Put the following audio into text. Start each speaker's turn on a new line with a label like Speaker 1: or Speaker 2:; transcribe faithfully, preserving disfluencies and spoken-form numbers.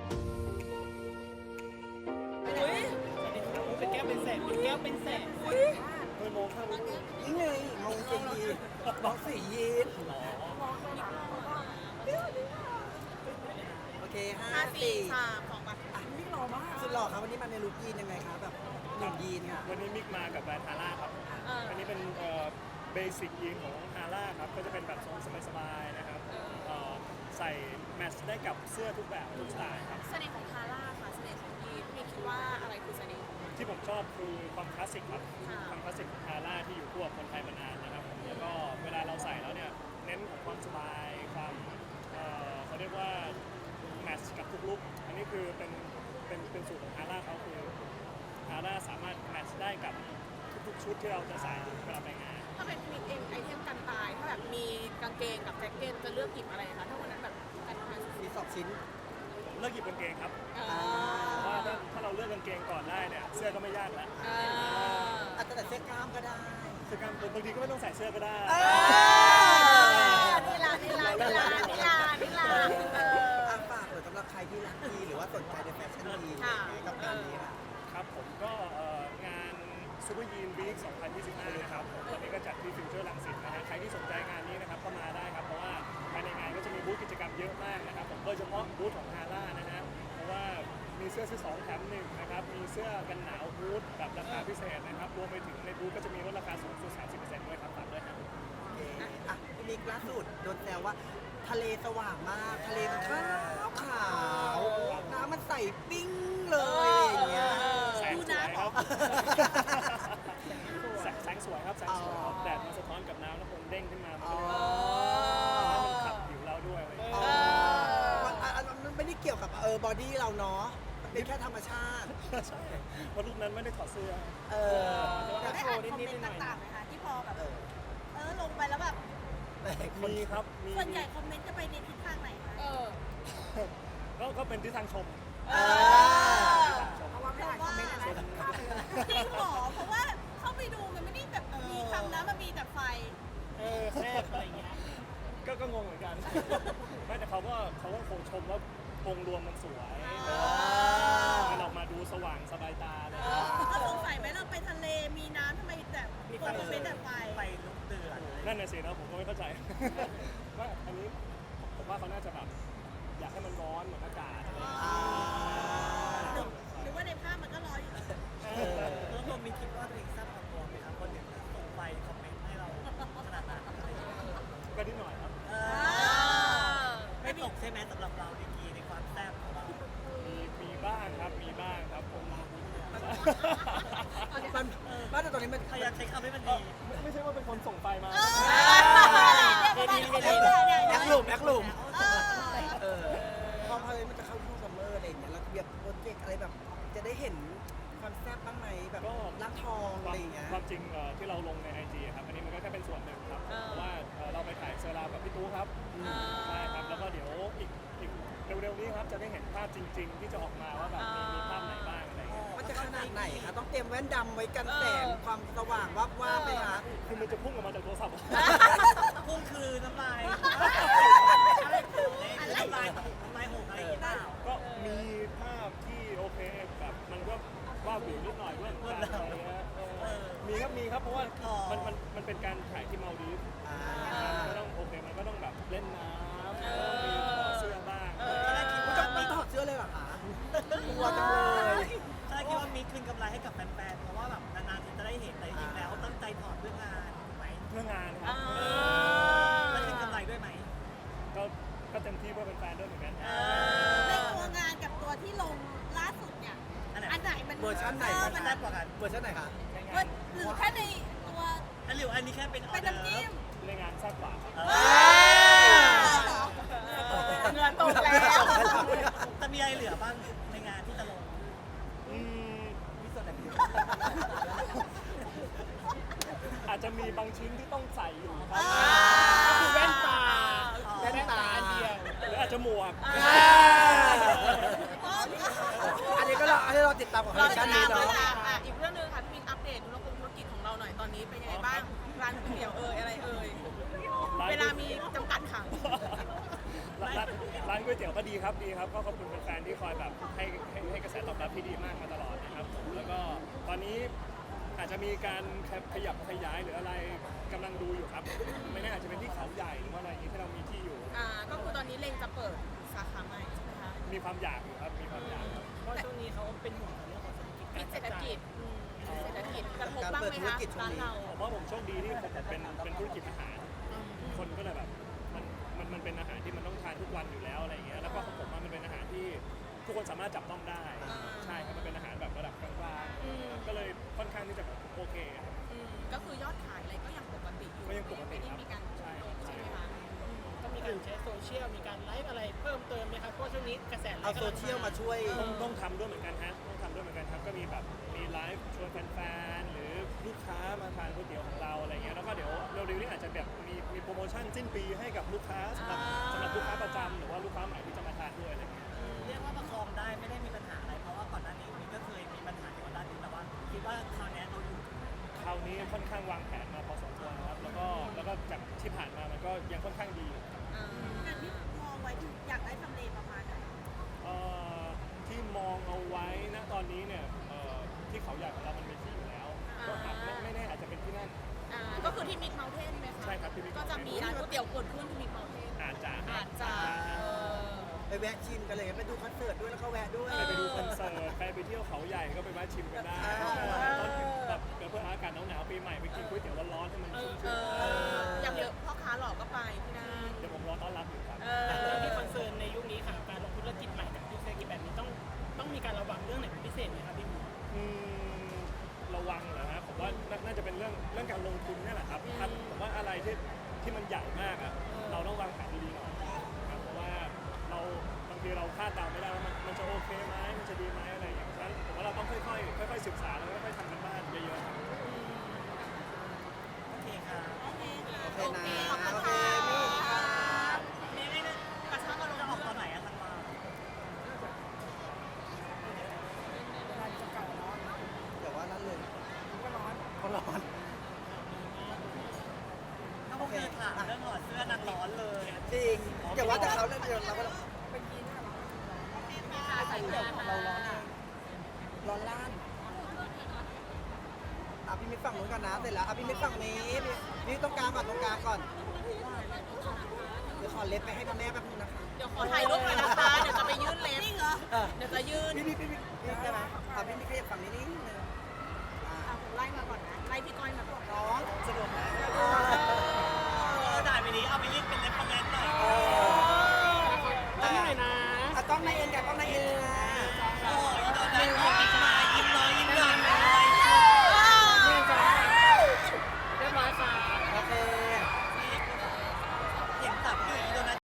Speaker 1: อุ้ยเป็นแก้วเป็นแสนเป็นแก้วเป็นแสนอุ้ย
Speaker 2: ไม่มองข้างนี้
Speaker 3: นี่ไงมองเจยีนมองสียีนโอเคห้า
Speaker 1: ห้าสี่
Speaker 3: สี่
Speaker 1: สามของบัตร
Speaker 3: อ่ะนี่หล่อมากสุดหล่อครับวันนี้มาในลุคยีนยังไงครับแบบหนุ่มยีนค่ะ
Speaker 2: วันนี้มิกมากับแบรนด์ฮาร่าครับ
Speaker 1: เออ
Speaker 2: อันนี้เป็นเบสิกยีนของฮาร่าครับ ก็จะเป็นแบบทรงสบายๆนะครับเอ่อใส่แมทช์ได้กับเสื้อทุกแบบทุกสไตล์ครับ
Speaker 1: เสน่ห์ของทาร่าค่ะเสน่ห์ของยีนพี่คิดว่าอะไรคือเสน่ห์
Speaker 2: ที่ผมชอบคือความคลาสสิกครับ
Speaker 1: ค่ะ
Speaker 2: ความคลาสสิกของฮาร่าที่อยู่คู่กับคนไทยมานานนะครับผมแล้วก็เวลาเราใส่แล้วเนี่ยเน้นของความสบายความเอ่อเขาเรียกว่าแมทช์กับทุกลุคอันนี้คือเป็นเป็นเป็นสูตรของฮาร่าเขาคือฮาร่าสามารถแมทช์ได้กับทุกๆชุดที่เราจะใส่เวลาไปงาน
Speaker 1: ถ้าเป็นมิกเองไอเทมกันตายถ้าแบบมีกางเกงกับแจ็คเก็ตจะเลือกหยิบอะไรคะถ้าวันนั้นแบบกันตายสุด
Speaker 3: มีสองชิ้น
Speaker 2: เลือกหยิบกางเกงครับ
Speaker 1: ๆเอ
Speaker 2: เพราะว่า
Speaker 1: อ
Speaker 2: ถ้าถ้าเราเลือกกางเกงก่อนได้เนี่ยเสื้อก็ไม่ยากแล้ว
Speaker 1: เออ
Speaker 3: อาจจะแต่เสื้อกล้ามก็ได้
Speaker 2: คือการบางทีก็ไม่ต้องใส่เสื้อก็ได้
Speaker 1: นี่ลานี่ลานี่ลานี่ลานี่ลาเออ
Speaker 3: อ่ะฝากเปิดสำหรับใครที่รักยีนหรือว่าสนใจในแฟชั่นยีน
Speaker 1: ค่ะ
Speaker 3: กับงานนี้ค่ะ
Speaker 2: ครับผมก็เอ่องานซูเปอร์ยีนวีคสองพันยี่สิบห้านะครับผมตอนนี้ก็จัดที่ฟิวเจอร์ลังสิตนะฮะใครที่สนใจงานนี้นะครับก็มาได้ครับเพราะว่าภายในงานก็จะมีบูธกิจกรรมเยอะมากนะครับผมโดยเฉพาะบูธของฮาร่านะฮะเพราะว่ามีเสื้อซื้อสองแถมหนึ่งนะครับมีเสื้อกันหนาวบูธแบบราคาพิเศษนะครับรวมไปถึงในบูธก็จะมีลดราคาสูงสุด สามสิบเปอร์เซ็นต์ ด้วยครับฝากด้วยครับ
Speaker 3: โอเคอ่ะพี่นิกล่าสุดโดนแซวว่าทะเลสว่างมาก ทะเลมันขาวขาวน้ำมันใสปิ้งเลยอย่างเงี้ย
Speaker 2: แสงสวยครับแสงแสงสวยครับแสงสวยครับแดดมาสะท้อนกับน้ำแล้วคงเด้งขึ้นมามัน
Speaker 3: อ๋อ
Speaker 2: ก็เลยมันขับผิวเราด้วยอะไรอย่าง
Speaker 3: อ๋
Speaker 2: เงี้
Speaker 3: อย มันอันอันมันไม่ได้เกี่ยวกับเออบอดี้เราเนาะมันเป็นแค่ธรรมชาติ
Speaker 2: ใช่เพราะรูปนั้นไม่ได้ถอดเสื้อ
Speaker 3: เออ
Speaker 1: ได้อ่านคอมเมนต์ต่างๆไหมคะที่พอแบบ
Speaker 3: เออ
Speaker 1: เออลงไปแล้วแบบ
Speaker 3: แต่คน
Speaker 2: มีครับมี
Speaker 1: ส่วนใหญ่คอมเมนต์จะไปในทิศทางไหนคะเออ
Speaker 2: ก็ก็เป็นที่ทางชม
Speaker 1: เออ
Speaker 3: เพราะว่าไม่อ่านคอมเมนต์อะไรแบบข้ามไปเลย
Speaker 1: จริงเหรอเพราะว่าเข้าไปดูมันไม่ได้แบบมีคำนะมันมีแต่ไฟ
Speaker 2: เออแซ่บอะไรอย่างเงี้ยก็ก็งงเหมือนกันไม่แต่เขาก็เขาก็คงชมว่าองค์รวมมันสวยมันออกมาดูสว่างสบายตาเลย
Speaker 1: ก็สงสัยไหมเราไปทะเลมีน้ำทำไมแต่คนคอมเมนต์แต่ไฟ
Speaker 3: ไฟลุกเดือด
Speaker 2: นั่นน่ะสินะผมก็ไม่เข้าใจ ว่าอันนี้ผมว่าเขาน่าจะแบบอยากให้มันร้อนเหมือนอากาศอะไรอย่างเงี้ย
Speaker 1: หรือหรือว่าในภาพมันก็ร้อนอยู่
Speaker 4: แล้วผมมีคิดว่าตัวเองทราบความตัวไหมครับคนหนึ่งส่งไปคอมเมนต์ให้เราขนาดนั้น
Speaker 2: ก็นิดหน่อยครับ
Speaker 4: เออไม่ตกใช่ไหมสำหรับเราดีกีในความแซ่บของเรา
Speaker 2: มีมีบ้างครับมีบ้างครับผม
Speaker 3: มันว่าแต่ตอนนี้มัน
Speaker 4: พยายามใช้คำให้มันดี
Speaker 2: ไม่ไม่ใช่ว่าเป็นคนส่งไปมา
Speaker 3: แอคหลุมแอคหลุมเออพอพอเลยมันจะเข้าช่วงซัมเมอร์อะไรอย่างเงี้ยแล้วแบบโปรเจกต์อะไรแบบ จะได้เห็นความแซ่บบ้างไหมแบบ
Speaker 2: ก็
Speaker 3: รักทองอะไรอย่างเงี้ย
Speaker 2: ความจริงเอ่อที่เราลงในไอจีครับอันนี้มันก็แค่เป็นส่วนหนึ่งครับเพราะว่าเอ่อเราไปถ่ายเซอร์รากับพี่ตู้ครับใช่ครับแล้วก็เดี๋ยวอีกอีกเร็วๆนี้ครับจะได้เห็นภาพจริง ๆ ที่จะออกมาว่าแบบมีมีภาพไหนบ้างอะไรอย่างเงี้ย
Speaker 3: มันจะขนาดไหนคะต้องเตรียมแว่นดำไว้กันแสงความสว่างวับว่าบไหมคะ
Speaker 2: คือมันจะพุ่งออกมาจากโทรศัพท์
Speaker 4: พุ่งคือน้ำลายอะไรคือน้ำลายน้ำลายหกอะไรอย่างเงี้ยเปล่า
Speaker 2: ก็มีภาพที่โอเคแบบมันก็ว่าวิวนิดหน่อยด้วยการอะไรเงี้ยเออมีครับมีครับเพราะว่ามันมันมันเป็นการถ่ายที่มาลดีฟส์
Speaker 3: อ่า
Speaker 2: มันก็ต้องโอเคมันก็ต้องแบบเล่นน้ำแล้วก็มีถอดเสื้อบ้าง
Speaker 4: ตอนแรกคิด
Speaker 3: มัน
Speaker 4: ว่า
Speaker 3: จะ
Speaker 4: มี
Speaker 3: ไม่ถอดเสื้อเลยเหรอคะกลัวจังเลย
Speaker 4: ตอนแรกคิดว่ามีคืนกำไรให้กับแฟนๆเพราะว่าแบบนานๆทีจะได้เห็นแต่จริงๆแล้วตั้งใจถอดเพื่องานถูกไหม
Speaker 2: เพื่องานครับ
Speaker 4: แล้วคืนกำไรด้วยไหม
Speaker 2: ก็ก็เต็มที่เพื่อเป็นแฟนด้วยเหมือนกัน
Speaker 1: ในตัวงานกับตัวที่ลงล่าสุดเนี่ย
Speaker 4: อันไหน
Speaker 1: อันไหนมัน
Speaker 3: เวอร์ชันไหน
Speaker 1: เออ
Speaker 3: คะ
Speaker 1: มัน
Speaker 4: แซ่บกว่ากัน
Speaker 3: เวอร์ชันไหนคะ
Speaker 1: หรือแค่ในตัว
Speaker 4: อันหรืออันนี้แค่เป็นออ
Speaker 1: เป็น
Speaker 4: เดอ
Speaker 1: น้ำ
Speaker 4: ร์
Speaker 1: จิ้ม
Speaker 2: ในงานแซ่บกว่าครับ
Speaker 4: เอ
Speaker 1: เงินตกแล้ว
Speaker 4: จะมีอะไรเหลือบ้างในงานที่จะลง
Speaker 2: อืม
Speaker 3: มีส่วนไหนที่
Speaker 2: อาจจะมีบางชิ้นที่ต้องใส่อยู่ครับ
Speaker 1: คือแว่นตา
Speaker 3: แว่นตา
Speaker 1: อันเดียว
Speaker 2: หรืออาจจะหมวก
Speaker 3: อันนี้ก็เราอันนี้เราติดตามของคอลเลคชันนี้เนาะ
Speaker 1: อ่ะอีกเรื่องหนึงค่ะพี่มิกอัปเดตธุรกิจธุรกิจของเราหน่อยตอนนี้เป็นยังไงบ้างร้านก๋วยเตี๋ยวเอ่ยอะไรเอ่ยเวลามีจำกัดค่ะ
Speaker 2: ร้านร้านร้านก๋วยเตี๋ยวก็ดีครับดีครับก็ขอบคุณแฟนๆที่คอยแบบให้ให้ให้กระแสตอบรับที่ดีมากมาตลอดนะครับผมแล้วก็ตอนนี้อาจจะมีการขยับขยายหรืออะไรกำลังดูอยู่ครับไม่แน่อาจจะเป็นที่เขาใหญ่หรือว่าอะไรอย่างนี้ที่เรามีที่อยู่
Speaker 1: อ่าก็คือตอนนี้เล็งจะเปิดสาขาใหม่ใช่ไหมคะ
Speaker 2: มีความอยากอยู่ครับมีความอยากครับ
Speaker 4: เพราะช่วงนี้เขาเป็นห่วงเรื่องของเศรษฐกิจ
Speaker 1: พิ
Speaker 4: การ
Speaker 1: ษเศรษฐ
Speaker 4: จัด
Speaker 1: กิจ
Speaker 4: จ่าย
Speaker 1: อืมเศรษฐกิจกระทบบ้างไหมคะร้านเรา
Speaker 2: ผมว่าผมโชคดีที่ผมเป็นเป็นธุรกิจอาหาร คนก็เลยแบบมันมันมันเป็นอาหารที่มันต้องทานทุกวันอยู่แล้วอะไรอย่างเงี้ยแล้วก็ของผมว่ามันเป็นอาหารที่ทุกคนสามารถจับต้องได้
Speaker 1: อ่า
Speaker 2: ใช่ครับมันเป็นอาหารแบบระดับกลาง
Speaker 1: อืม
Speaker 2: ๆก็เลยค่อนข้างที่จะแบบโอเคครับ
Speaker 1: อืมก็คือยอดขายอะไรก็ยังปกติอยู่
Speaker 2: ก็ยังปกติ
Speaker 1: ไม่
Speaker 2: ครั
Speaker 1: ได้
Speaker 2: บ
Speaker 1: มีการ
Speaker 2: ใช่
Speaker 1: ลดใช่ไหมคะอืม
Speaker 4: ก็มีการใช้โซเชียลมีการไลฟ์อะไรเพิ่มเติมไหมครับเพราะช่วงนี้กระแสไล
Speaker 3: เอา
Speaker 4: ฟ์
Speaker 3: โซเชียลมาช่วย
Speaker 2: ต้องต้องทำด้วยเหมือนกันฮะต้องทำด้วยเหมือนกันครับก็มีแบบมีไลฟ์ชวนแฟนๆหรือลูกค้ามาทานก๋วยเตี๋ยวของเราอะไรเงี้ยแล้วก็เดี๋ยวเร็วๆนี้อาจจะแบบมีมีโปรโมชั่นสิ้นปีให้กับลูกค้าสำหรับสำหรับลูกค้าประจำหรือว่าลูกค้าใหม่ที่จะมาทานด้วยอะไรเงี้ย
Speaker 4: เรียกว่าประคองได้ไม่ได้มีปัญหาอะไรเพราะว่าก่อนหน้านี้มีก็เคยมีปัญหาเกี่ยวกับด้านนี้แต่ว่าคิดว่าคราวนี้เราอยู่
Speaker 2: คราวนี้ค่อนข้างวางแผนมาพอสมควรนะครับแล้วก็แล้วก็จากที่ผ่านมามันก็ยังค่อนข้างดีอยู่
Speaker 1: อ่า
Speaker 5: อย่างที่มองไว้ที่อยากได้ทำเลประมาณไหน
Speaker 2: เอ่อที่มองเอาไว้ณตอนนี้เนี่ยเอ่อที่เขาใหญ่ของเรามันมีที่อยู่แล้วก็อาจไม่ไม่แน่อาจจะเป็นที่นั่น
Speaker 1: อ่าก็คือที่มิดเมลเทนไหมคะ
Speaker 2: ใช่ครับที่ Mid
Speaker 1: ก็จะมีร้านก๋วยเตี๋ยวเกิดขึ้นที่มิดเมลเทน
Speaker 2: อาจจะ
Speaker 1: อาจจะเออ
Speaker 3: ไปแวะชิมกันเลยไปดูคอนเสิร์ตด้วยแล้วก็แวะด้วย
Speaker 2: ใครไปดูคอนเสิร์ตใครไปเที่ยวเขาใหญ่ก็ไปแวะชิมกันได้
Speaker 3: อ่า
Speaker 2: ตอนแบบเกิดเพื่ออากาศหนาวๆปีใหม่ไปกินก๋วยเตี๋ยวร้อนๆให้มันชุ่ม
Speaker 1: เอ
Speaker 2: ชื่น
Speaker 1: ออย่างเดียวพ่อค้าหลอกก็ไปที่นั่น
Speaker 2: เดี๋ยวผมรอต้อนรับอยู่ครับ
Speaker 1: เอ
Speaker 4: แต่
Speaker 1: อ
Speaker 4: เรื่องที่คอนเซิร์นในยุคนี้ค่ะการลงธุรกิจใหม่กับยุคเศรษฐกิจแบบนี้ต้องต้องมีการระวังเรื่องไหนเป็นพิเศษไหมครับพี่หมู
Speaker 2: อืมระวังเหรอฮะผมว่าน่าน่าจะเป็นเรื่องเรื่องการลงทุนนี่แหละครับถ้าผมว่าอะไรที่ที่มันใหญ่มากอะเราต้องวางแผนดีๆหน่อยครับเพราะว่าเราบางทีเราคาดเดาไม่ได้ว่ามันมันจะโอเคไหมมันจะดีไหมอะไรอย่างเงี้ยเพราะฉะนั้นผมว่าเราต้องค่อยๆค่อยๆศึกษาแล้วค่อยๆทำกันบ้านเยอะๆครับ
Speaker 4: โอเคค่ะ
Speaker 5: โอเคค่ะ
Speaker 3: โอเคนะ
Speaker 1: ขอบคุณ
Speaker 3: โอเค
Speaker 1: ค่ะ
Speaker 3: พี่ค่ะ
Speaker 4: นี่นี่นี่
Speaker 1: กระชับอารม
Speaker 4: จะ
Speaker 1: ณ์
Speaker 4: ออกตอนไหนอะธันวา
Speaker 3: เดี๋ยวว่านั่นเลยก็ร้อนก็ร้อน
Speaker 4: ถ้าพวกเธอถามเรื่องถอดเสื้อนางร้อนเลย
Speaker 3: จริงอย่าว่าแต่เขาเลยเดี๋ยวเราก็
Speaker 1: ใส่เสื้อ
Speaker 3: เราร้อนเองร้อนล้านอ่ะพี่มิตรฝั่งนู้นก่อนนะเสร็จแล้วอ่ะพี่มิตรฝั่งนี้พี่พี่ตรงกลางก่อนตรงกลางก่อนเดี๋ยวขอเล็บไปให้พ่อแม่แป๊บนึงนะคะ
Speaker 1: เดี๋ยวขอถ่ายรูปหน่อยนะคะ เดี๋ยวจะไปยื่นเล็บ
Speaker 5: จริงเหรอ
Speaker 3: เออ
Speaker 1: เดี๋ยวจะยื่น
Speaker 3: พี่พี่พี่พี่พี่ได้ไหมอ่ะพี่มิตรขยับฝั่งนี้นิดนึงอ่ะ
Speaker 1: อ่ะผมไล่มาก่อนนะ ไล่พี่ก้อยมาก่อน